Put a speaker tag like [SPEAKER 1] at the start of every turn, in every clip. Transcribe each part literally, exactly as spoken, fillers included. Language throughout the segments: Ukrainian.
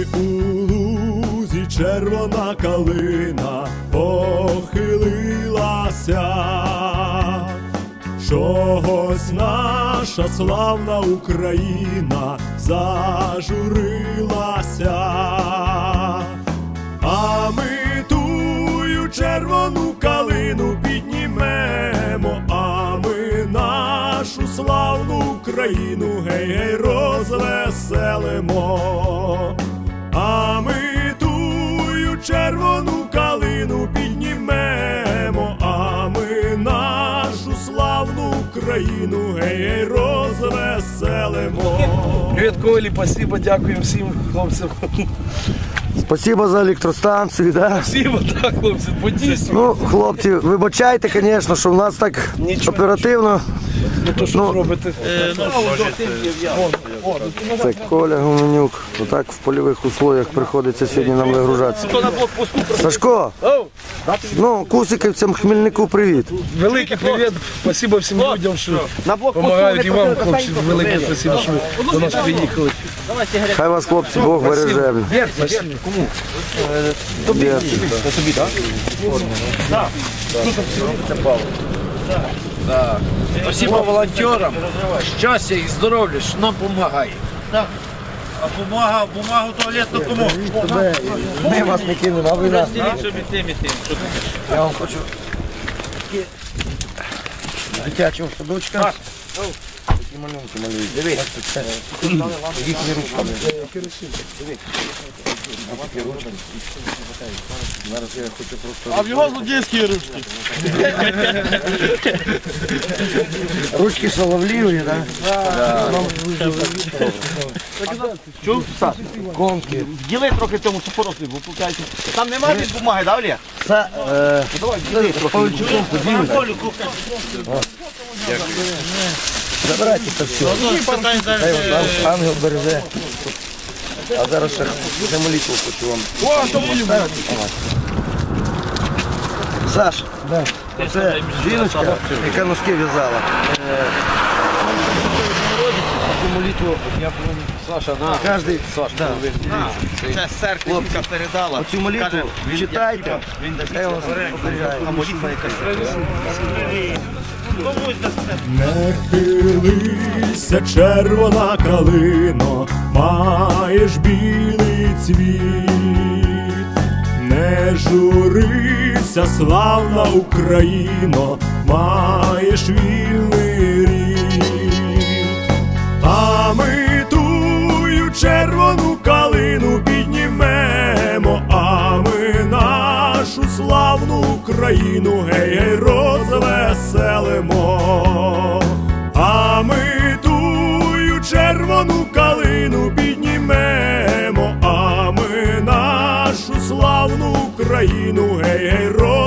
[SPEAKER 1] Ой, у лузі червона калина похилилася, чогось наша славна Україна зажурилася. А ми тую червону калину піднімемо, а ми нашу славну Україну гей-гей розвеселимо. А ми тую червону калину піднімемо, а ми нашу славну Україну гей-гей розвеселимо.
[SPEAKER 2] Привіт, Колі, спасибо, дякуємо всім хлопцям.
[SPEAKER 3] Спасибо за електростанцію, да?
[SPEAKER 2] Спасибо, так, хлопці, подійсно.
[SPEAKER 3] Ну, хлопці, вибачайте, звісно, що в нас так
[SPEAKER 2] Нічого.
[SPEAKER 3] оперативно.
[SPEAKER 2] Ну, то що
[SPEAKER 3] Ну,
[SPEAKER 2] зробити?
[SPEAKER 3] Це Коля Гуменюк. Отак в польових условиях приходиться сьогодні нам вигружатися. Сашко, ну, кусиківцям Хмельнику привіт.
[SPEAKER 2] Великий привіт, спасибо всім людям, що допомагають, і вам, хлопці, велике спасибо, що ви до нас приїхали.
[SPEAKER 3] Хай вас, хлопці, Бог береже.
[SPEAKER 2] Кому?
[SPEAKER 3] Тобі.
[SPEAKER 2] Тобі, так? Так. Це Павло.
[SPEAKER 4] Да. Спасибо волонтерам, щастя і здоров'я, що нам допомагає. А бумага, бумагу туалетну кому?
[SPEAKER 3] Ми вас не кинемо, а ви нас. Я вам хочу дитячого садочка. Такі малюнки малюють. Дивись. Їхні ручками. Зараз я хочу просто...
[SPEAKER 5] А в його злодійські ручки.
[SPEAKER 3] Ручки шаловливі, так?
[SPEAKER 5] Чув?
[SPEAKER 3] Конки.
[SPEAKER 5] Діли трохи цьому супорослі, бо пукайте. Там немає від бумаги, да, Олег?
[SPEAKER 3] Це... Давай, діли трохи. Забирайте це все. Хай вас ангел береже. А зараз ще ще молитву хочу вам. Саш, це жіночка, яка носки в'язала. Таку молитву
[SPEAKER 4] Саша, на.
[SPEAKER 3] кожен.
[SPEAKER 5] Це церквінка передала.
[SPEAKER 3] Оцю молитву читайте. Хай вас оберігає.
[SPEAKER 5] А молитва якась.
[SPEAKER 1] Не хилися, червона калино, маєш білий цвіт. Не журися, славна Україно, маєш вільний рід. А ми тую червону калину піднімемо, а ми нашу славну Україну гей-гей розвеселимо. А ми тую червону калину піднімемо, а ми нашу славну Україну гей-гей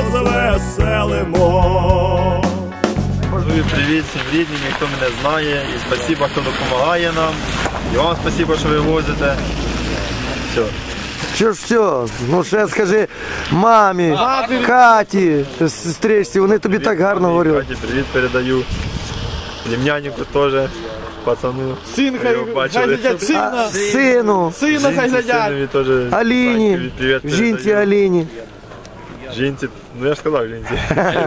[SPEAKER 1] розвеселимо.
[SPEAKER 6] Привіт всім рідним, хто мене знає, і спасибо, хто допомагає нам. І вам спасибо, що ви возите. Все.
[SPEAKER 3] Що ж все, ну ще скажи мамі, Каті, сестричці, вони тобі так гарно говорять.
[SPEAKER 6] Каті привіт передаю. Племяннику теж, пацану.
[SPEAKER 5] Син хай глядять, сина.
[SPEAKER 3] Сину,
[SPEAKER 5] Сина хай глядять.
[SPEAKER 6] Синові теж.
[SPEAKER 3] Аліні,
[SPEAKER 6] Привіт
[SPEAKER 3] жінці
[SPEAKER 6] передаю.
[SPEAKER 3] Аліні.
[SPEAKER 6] Жінці, ну я ж сказав жінці.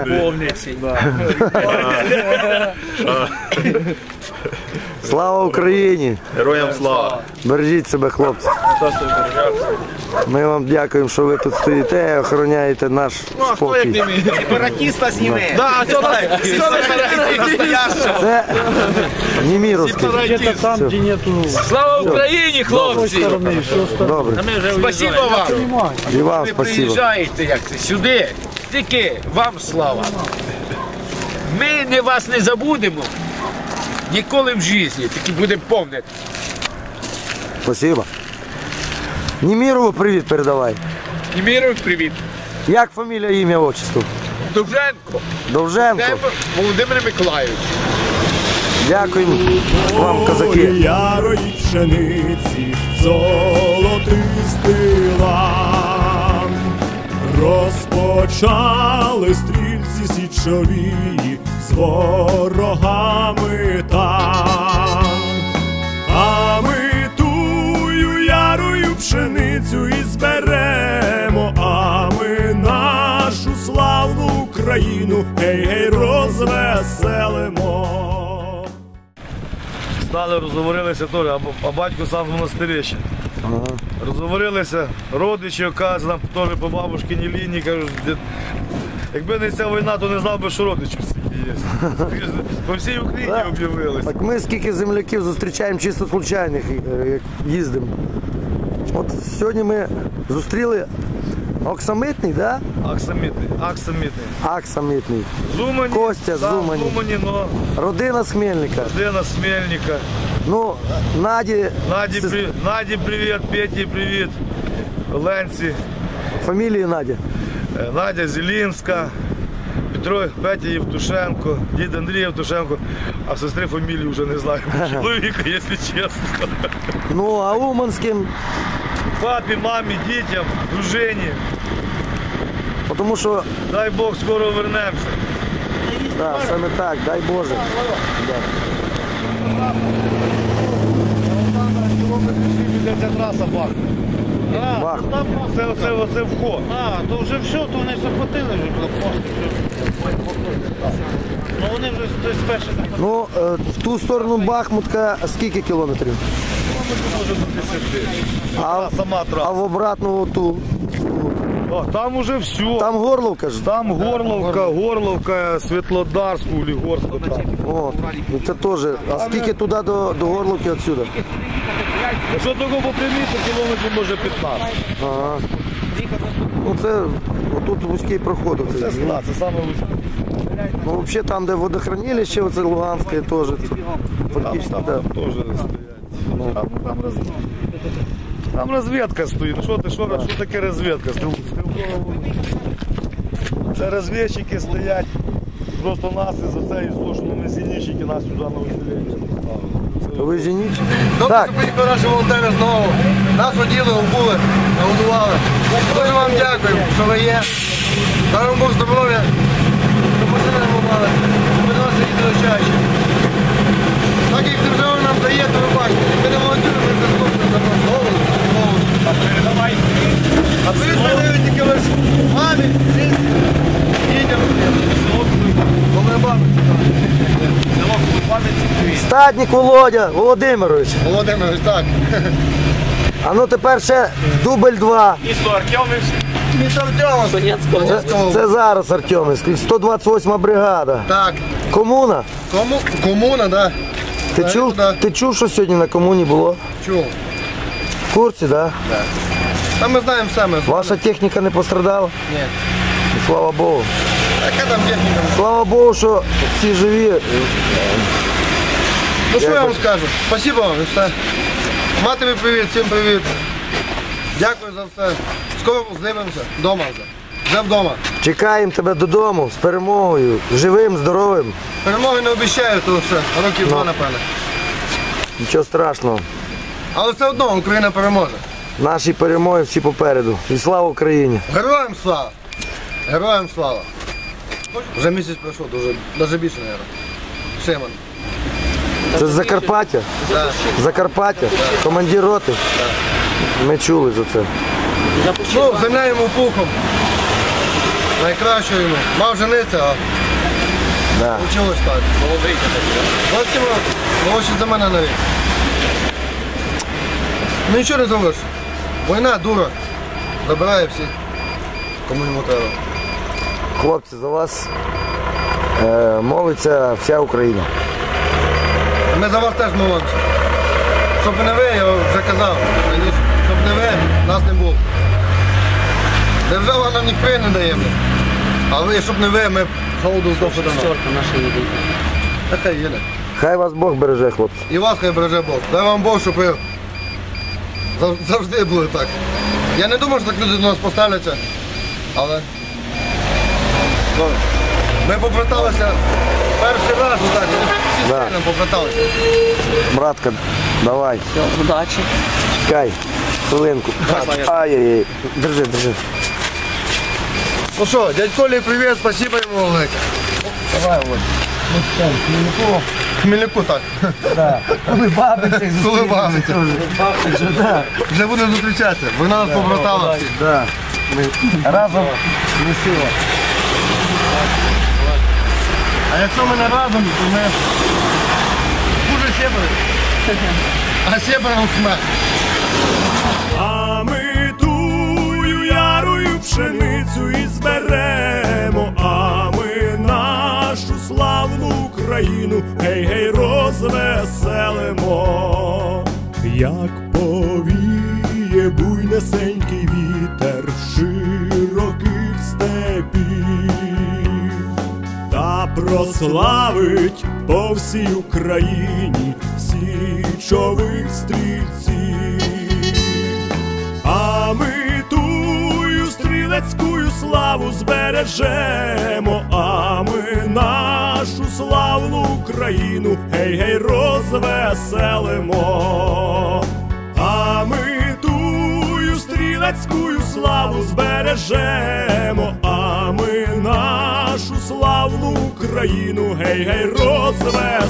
[SPEAKER 3] Слава Україні!
[SPEAKER 6] Героям слава!
[SPEAKER 3] Бережіть себе, хлопці. Ми вам дякуємо, що ви тут стоїте, охороняєте наш спокій.
[SPEAKER 5] Сепаратіста зніме. Да, а що нас? Що нас настоящого?
[SPEAKER 3] Це Німіровський.
[SPEAKER 4] Слава Україні, хлопці!
[SPEAKER 3] Добре.
[SPEAKER 4] Спасибо вам!
[SPEAKER 3] І вам
[SPEAKER 4] Ви
[SPEAKER 3] спасибо.
[SPEAKER 4] приїжджаєте як це, сюди, тільки вам слава. Ми не вас не забудемо ніколи в житті, тільки будемо пам'ятати.
[SPEAKER 3] Спасибо. Німірову привіт передавай.
[SPEAKER 4] Німіров, привіт.
[SPEAKER 3] Як фамілія, ім'я, отчество?
[SPEAKER 4] Довженко,
[SPEAKER 3] Довженко.
[SPEAKER 4] Володимир Миколайович.
[SPEAKER 3] Дякуємо вам, козаки.
[SPEAKER 1] Ой, ярої пшениці, золотистий лан. Розпочали стрільці січові з ворогами там. А ми тую ярою пшениці пшеницю і зберемо, а ми нашу славну Україну гей-гей розвеселимо.
[SPEAKER 2] Стали, розговорилися теж, а, а батько сам в монастирі ще. Ага. Розговорилися, родичі, оказують, нам теж по бабушкиній лінії, кажуть, якби не ця війна, то не знав би, що родичів скільки є. По всій Україні об'явилися.
[SPEAKER 3] Так ми скільки земляків зустрічаємо чисто случайних, як їздимо. От сьогодні ми зустріли Оксамитний, да?
[SPEAKER 2] Аксамітний, Аксамітний.
[SPEAKER 3] Аксамитний.
[SPEAKER 2] Зумані,
[SPEAKER 3] Костя з
[SPEAKER 2] сам
[SPEAKER 3] Зумані.
[SPEAKER 2] Зумані, но
[SPEAKER 3] Родина з Хмельника.
[SPEAKER 2] родина з Хмельника.
[SPEAKER 3] Ну, Наді,
[SPEAKER 2] Наді,
[SPEAKER 3] сес-
[SPEAKER 2] при... Наді привіт, Петі привіт, Ленці,
[SPEAKER 3] фамілії Наді.
[SPEAKER 2] е, Надя Зелінська, Петро, Петя Євтушенко, дід Андрій Євтушенко, а сестри фамілії вже не знаю, чоловіка, якщо чесно.
[SPEAKER 3] Ну, а Уманським,
[SPEAKER 2] Папі, мамі, дітям, дружині.
[SPEAKER 3] тому що,
[SPEAKER 2] Дай Бог, скоро вернемося.
[SPEAKER 3] да, саме так, дай Боже.
[SPEAKER 2] Ця траса Бах.
[SPEAKER 3] Бах.
[SPEAKER 2] Це, це, це вход.
[SPEAKER 7] А, то вже все, то вони захватили вже блокпости. Ну вони вже хтось перший захватили.
[SPEAKER 3] Ну, е, в ту сторону Бахмутка скільки кілометрів?
[SPEAKER 2] Може до десяти.
[SPEAKER 3] А,
[SPEAKER 2] Сама
[SPEAKER 3] а
[SPEAKER 2] траса.
[SPEAKER 3] в обратну ту,
[SPEAKER 2] О, там уже все.
[SPEAKER 3] там Горловка ж.
[SPEAKER 2] Там Горловка, Горловка, Світлодарську, Лігорську. Там.
[SPEAKER 3] О, ну це теж. А скільки туди до, до Горловки відсюди?
[SPEAKER 2] Якщо того по прямій, то кілометрів може п'ятнадцять.
[SPEAKER 3] Ага. Ну це, отут вузький проход.
[SPEAKER 2] Це
[SPEAKER 3] Оцей.
[SPEAKER 2] сна, це саме вузьке.
[SPEAKER 3] Ну взагалі там, де водохранилище, оце Луганське теж. Це
[SPEAKER 2] Там,
[SPEAKER 3] фактично,
[SPEAKER 2] там,
[SPEAKER 3] да.
[SPEAKER 2] там теж стоять. Там, там, роз... там розвідка стоїть. Ну, Що, ти, що, що таке розвідка? Стріл- стрілкова- Це розвідчики стоять. Просто нас із-за цієї злошеної ми зенітчики нас сюди на усилення поставили.
[SPEAKER 3] Ви зеніч?
[SPEAKER 8] Добре,
[SPEAKER 3] Так.
[SPEAKER 8] що приїхали наші волонтери знову. Нас воділи, обули, нагодували. Дуже вам дякую, що ви є. Дай вам Бог здоров'я, щоб ми не мовили, щоб ви до нас їздили чаще. Так як держава нам дає, то ви бачите, якби не волонтери, ми це зможемо за нас голову. А ви передають тільки лише мамі, сестрі, дітям, коли бабі.
[SPEAKER 3] Статник Володя Володимирович.
[SPEAKER 8] Володимирович, так.
[SPEAKER 3] А ну тепер ще дубль два.
[SPEAKER 8] Місто Артемовськ.
[SPEAKER 3] Це, це зараз Артемівський, сто двадцять восьма бригада.
[SPEAKER 8] Так.
[SPEAKER 3] Комуна.
[SPEAKER 8] Кому? Комуна, да.
[SPEAKER 3] Ти
[SPEAKER 8] Так,
[SPEAKER 3] чув,
[SPEAKER 8] да.
[SPEAKER 3] ти чув, що сьогодні на комуні було?
[SPEAKER 8] Чув.
[SPEAKER 3] В курсі, так? Да?
[SPEAKER 8] Та ми знаємо все, ми.
[SPEAKER 3] Ваша техніка не пострадала?
[SPEAKER 8] Ні.
[SPEAKER 3] І слава Богу.
[SPEAKER 8] Яка там техніка?
[SPEAKER 3] Слава Богу, що всі живі.
[SPEAKER 8] Ну що я вам скажу? Спасибо вам і все. Матері привіт, всім привіт. Дякую за все. Скоро здивимося. Дома вже. Вже вдома.
[SPEAKER 3] Чекаємо тебе додому з перемогою. Живим, здоровим.
[SPEAKER 8] Перемоги не обіцяю, то все. Років два, напевно.
[SPEAKER 3] Нічого страшного.
[SPEAKER 8] Але все одно Україна переможе.
[SPEAKER 3] Наші перемоги всі попереду. І слава Україні!
[SPEAKER 8] Героям слава! Героям слава! Вже місяць пройшов, дуже, навіть більше, мабуть. Шимон.
[SPEAKER 3] Це з Закарпаття?
[SPEAKER 8] Так.
[SPEAKER 3] Закарпаття? Командир роти? Ми чули за це.
[SPEAKER 8] Ну, земля йому пухом. Найкраще йому. Мав жениться, а
[SPEAKER 3] Да.
[SPEAKER 8] вчилось так. Молодий так. Ось йому, молодший за мене навіть. Ну нічого не зробиш. Війна дура. Забирає всіх, кому йому треба.
[SPEAKER 3] Хлопці, за вас е, молиться вся Україна.
[SPEAKER 8] А ми за вас теж молимося. Щоб не ви, я вже казав раніше, щоб не ви, нас не було. Держава нам ніхто не дає. А ви, щоб не ви, ми голоду здохли давно. Та хай їде.
[SPEAKER 3] Хай вас Бог береже, хлопці.
[SPEAKER 8] І вас хай береже Бог. Дай вам Бог, щоб ви зав- завжди були так. Я не думаю, що так люди до нас поставляться, але ну, ми побраталися перший раз отак, всі
[SPEAKER 3] Да.
[SPEAKER 8] сильно побраталися.
[SPEAKER 3] Братка, давай.
[SPEAKER 9] Все, удачі.
[SPEAKER 3] Чекай, хвилинку. Ай-яй-яй. Держи, держи.
[SPEAKER 8] Ну що, дядь Колі, привіт, спасибо йому велике. Давай, Володь. Хмельнику так.
[SPEAKER 3] Коли бабицях
[SPEAKER 8] Коли бабиця. Вже будемо зустрічатися. Вона нас побратала.
[SPEAKER 3] Да. Ми разом не сила.
[SPEAKER 8] А якщо ми не разом, то ми хуже сєбери. А сєберам смерть.
[SPEAKER 1] А ми тую ярую пшеницю і зберемо, а ми нашу славну Україну, гей-гей, розвеселимо. Як повіє буйнесенький вітер широких степів, та прославить по всій Україні січових стрільців. А ми тую стрілецькую славу збережемо, а ми нашу славну Україну, гей-гей, розвеселимо. А ми тую стрілецькую славу збережемо, а ми нашу славну Україну, гей-гей, розвеселимо.